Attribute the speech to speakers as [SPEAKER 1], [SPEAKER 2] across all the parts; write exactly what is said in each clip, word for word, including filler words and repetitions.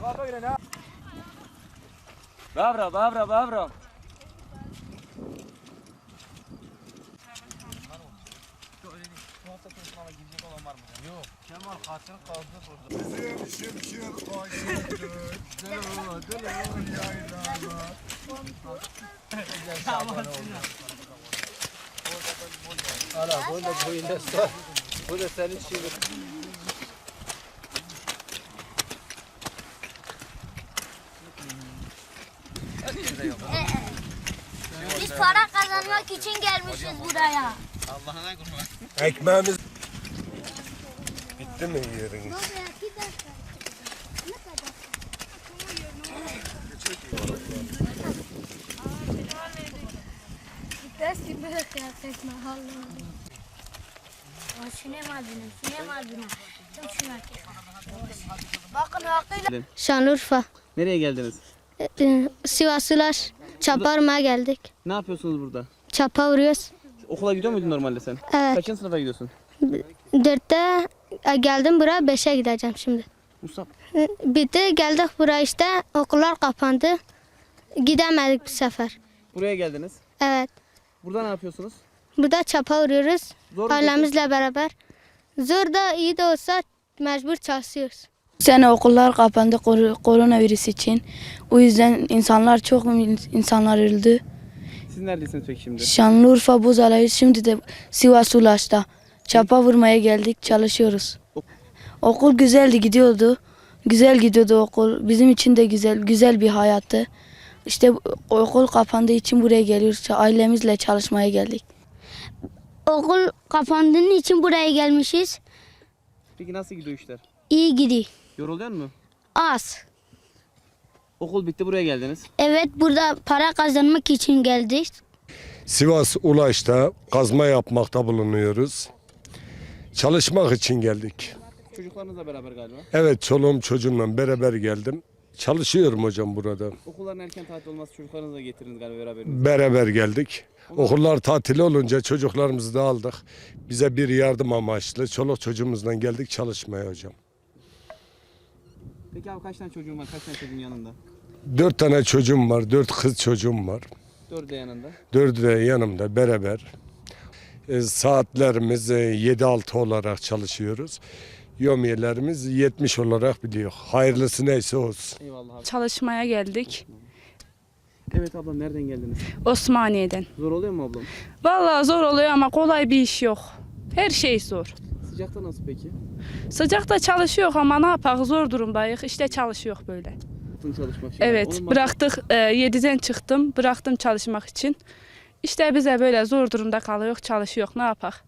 [SPEAKER 1] Bravo, bravo, bravo.
[SPEAKER 2] Yok, Kemal hatırı kaldı burada. Bizim şimşir aşıktır, delo delo yaylalar. Hala böyle böyle sor. Bu da senin şiirin.
[SPEAKER 3] Biz para kazanmak için gelmişiz buraya.
[SPEAKER 2] Allah'ına kurban.
[SPEAKER 4] Ekmeğimiz bitti mi yeriniz?
[SPEAKER 3] Bakın hakkıyla.
[SPEAKER 5] Şanlıurfa.
[SPEAKER 1] Nereye geldiniz?
[SPEAKER 5] Ee, Sivaslılar. Çapa vurmaya geldik.
[SPEAKER 1] Ne yapıyorsunuz burada?
[SPEAKER 5] Çapa vuruyoruz.
[SPEAKER 1] Okula gidiyor muydun normalde sen?
[SPEAKER 5] Evet.
[SPEAKER 1] Kaçıncı sınıfa gidiyorsun?
[SPEAKER 5] Dörtte e, geldim buraya, beşe gideceğim şimdi.
[SPEAKER 1] Musab.
[SPEAKER 5] Ee, Bitti, geldik buraya işte. Okullar kapandı. Gidemedik bu sefer.
[SPEAKER 1] Buraya geldiniz.
[SPEAKER 5] Evet.
[SPEAKER 1] Burada ne yapıyorsunuz?
[SPEAKER 5] Burada çapa vuruyoruz.
[SPEAKER 1] Zor mu
[SPEAKER 5] Ailemizle beraber. Zor da iyi de olsa mecbur çalışıyoruz.
[SPEAKER 6] Bu sene okullar kapandı kor koronavirüs için. O yüzden insanlar çok insanlar öldü.
[SPEAKER 1] Siz neredesiniz peki şimdi?
[SPEAKER 6] Şanlıurfa Bozalay'ı, şimdi de Sivas Ulaş'ta. Çapa vurmaya geldik, çalışıyoruz. Okul güzeldi, gidiyordu. Güzel gidiyordu okul. Bizim için de güzel, güzel bir hayattı. İşte okul kapandığı için buraya geliyoruz. Ailemizle çalışmaya geldik.
[SPEAKER 3] Okul kapandığının için buraya gelmişiz.
[SPEAKER 1] Peki nasıl gidiyor işler?
[SPEAKER 3] İyi gidiyor.
[SPEAKER 1] Yoruluyor mu?
[SPEAKER 3] Az.
[SPEAKER 1] Okul bitti, buraya geldiniz.
[SPEAKER 3] Evet, burada para kazanmak için geldik.
[SPEAKER 4] Sivas Ulaş'ta kazma yapmakta bulunuyoruz. Çalışmak için geldik.
[SPEAKER 1] Çocuklarınızla beraber galiba.
[SPEAKER 4] Evet, çoluğum çocuğumla beraber geldim. Çalışıyorum hocam burada.
[SPEAKER 1] Okulların erken tatil olması çocuklarınızı da getirdiniz galiba beraber.
[SPEAKER 4] Beraber geldik. Okullar tatil olunca çocuklarımızı da aldık. Bize bir yardım amaçlı çoluk çocuğumuzla geldik çalışmaya hocam.
[SPEAKER 1] Peki abi kaç tane çocuğun var? Kaç tane çocuğun yanında?
[SPEAKER 4] Dört tane çocuğum var, dört kız çocuğum var.
[SPEAKER 1] Dördü de yanında.
[SPEAKER 4] Dördü de yanımda beraber. E, saatlerimiz e, yedi altı olarak çalışıyoruz. Yomiyelerimiz yetmiş olarak biliyor. Hayırlısı neyse olsun.
[SPEAKER 1] Eyvallah abi.
[SPEAKER 7] Çalışmaya geldik.
[SPEAKER 1] Evet ablam, nereden geldiniz?
[SPEAKER 7] Osmaniye'den.
[SPEAKER 1] Zor oluyor mu ablam?
[SPEAKER 7] Vallahi zor oluyor ama kolay bir iş yok. Her şey zor.
[SPEAKER 1] Sıcakta nasıl peki?
[SPEAKER 7] Sıcakta çalışıyor ama ne yapak, zor durumdayız. İşte çalışıyor böyle.
[SPEAKER 1] Tüm çalışmak için.
[SPEAKER 7] Evet,
[SPEAKER 1] Onun
[SPEAKER 7] bıraktık, e, yediden çıktım, bıraktım çalışmak için. İşte bize böyle zor durumda kalıyor, çalışıyor. Ne yapak?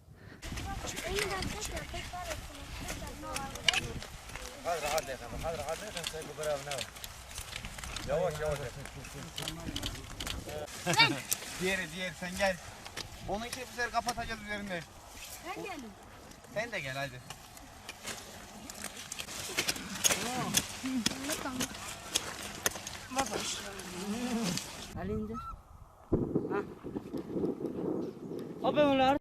[SPEAKER 2] Yavaş yavaş. Diğeri diğeri sen gel. Onun için bu sefer kapatacağız üzerinde. Ben gelim. Sen de gel hadi.
[SPEAKER 1] Abi onlar